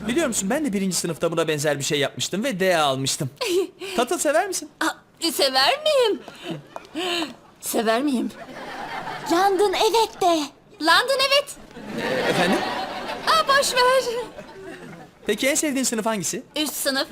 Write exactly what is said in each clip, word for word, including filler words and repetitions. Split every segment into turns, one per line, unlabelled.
Biliyor musun, ben de birinci sınıfta buna benzer bir şey yapmıştım ve D almıştım. Tatıl sever misin?
Aa, sever miyim? Sever miyim?
London evet de.
London evet.
Efendim?
Aa, boş ver.
Peki en sevdiğin sınıf hangisi?
Üst sınıf.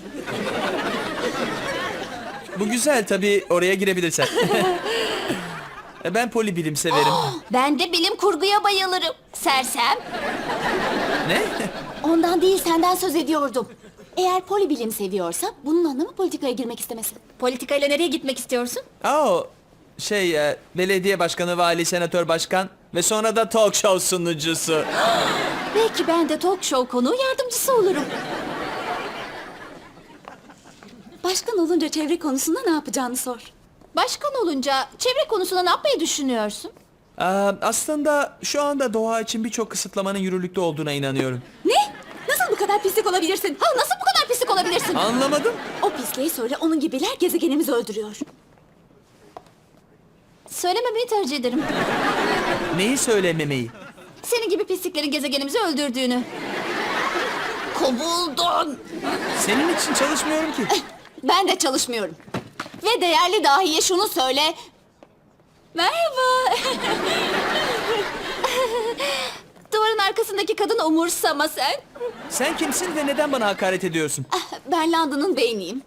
Bu güzel, tabii oraya girebilirsen. E, ben polibilim severim.
Ben de bilim kurguya bayılırım. Sersem.
Ne?
Ondan değil senden söz ediyordum. Eğer polibilim seviyorsa bunun anlamı politikaya girmek istemesi.
Politikayla nereye gitmek istiyorsun?
Aa, şey, e, belediye başkanı, vali, senatör, başkan ve sonra da talk show sunucusu.
Belki ben de talk show konuğu yardımcısı olurum.
Başkan olunca çevre konusunda ne yapacağını sor.
Başkan olunca çevre konusunda ne yapmayı düşünüyorsun?
Aa, aslında şu anda doğa için birçok kısıtlamanın yürürlükte olduğuna inanıyorum.
Ne? Nasıl bu kadar pislik olabilirsin?
Ha, nasıl bu kadar pislik olabilirsin?
Anlamadım.
O pisliği söyle, onun gibiler gezegenimizi öldürüyor.
Söylememeyi tercih ederim.
Neyi söylememeyi?
Senin gibi pisliklerin gezegenimizi öldürdüğünü. Kovuldun.
Senin için çalışmıyorum ki.
Ben de çalışmıyorum. Ve değerli dahiye şunu söyle.
Merhaba. Duvarın arkasındaki kadın umursama sen.
Sen kimsin ve neden bana hakaret ediyorsun?
Ah, ben London'un beyniyim.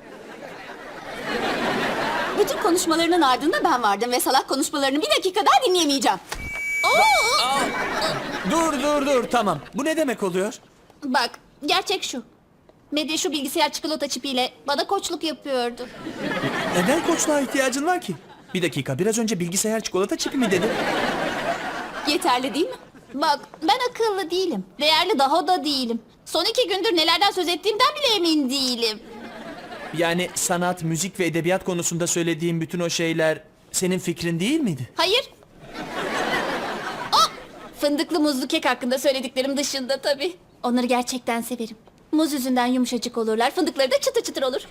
Bütün konuşmalarının ardında ben vardım ve salak konuşmalarını bir dakika daha dinleyemeyeceğim.
Aa, dur dur dur, tamam. Bu ne demek oluyor?
Bak, gerçek şu. Medya şu bilgisayar çikolata çipiyle bana koçluk yapıyordu.
Neden koçluğa ihtiyacın var ki? Bir dakika, biraz önce bilgisayar çikolata çipi mi dedin?
Yeterli değil mi?
Bak, ben akıllı değilim. Değerli daha da değilim. Son iki gündür nelerden söz ettiğimden bile emin değilim.
Yani sanat, müzik ve edebiyat konusunda söylediğim bütün o şeyler senin fikrin değil miydi?
Hayır. Aa, fındıklı muzlu kek hakkında söylediklerim dışında tabii. Onları gerçekten severim. Muz yüzünden yumuşacık olurlar, fındıkları da çıtır çıtır olur.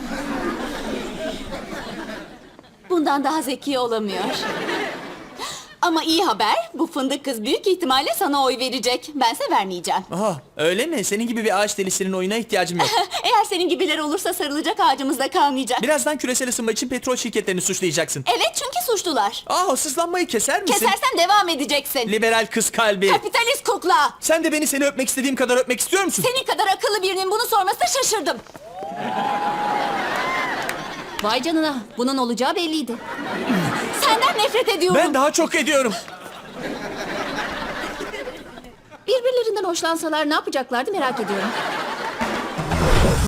Bundan daha zeki olamıyor. Ama iyi haber, bu fındık kız büyük ihtimalle sana oy verecek. Bense vermeyeceğim.
Aha, öyle mi? Senin gibi bir ağaç delisinin oyuna ihtiyacım yok.
Eğer senin gibiler olursa sarılacak ağacımız da kalmayacak.
Birazdan küresel ısınma için petrol şirketlerini suçlayacaksın.
Evet, çünkü suçlular.
Aa, sızlanmayı keser misin?
Kesersen devam edeceksin.
Liberal kız kalbi.
Kapitalist kukla.
Sen de beni seni öpmek istediğim kadar öpmek istiyor musun?
Senin kadar akıllı birinin bunu sormasına şaşırdım.
Vay canına, bunun olacağı belliydi.
Senden nefret ediyorum.
Ben daha çok ediyorum.
Birbirlerinden hoşlansalar ne yapacaklardı merak ediyorum.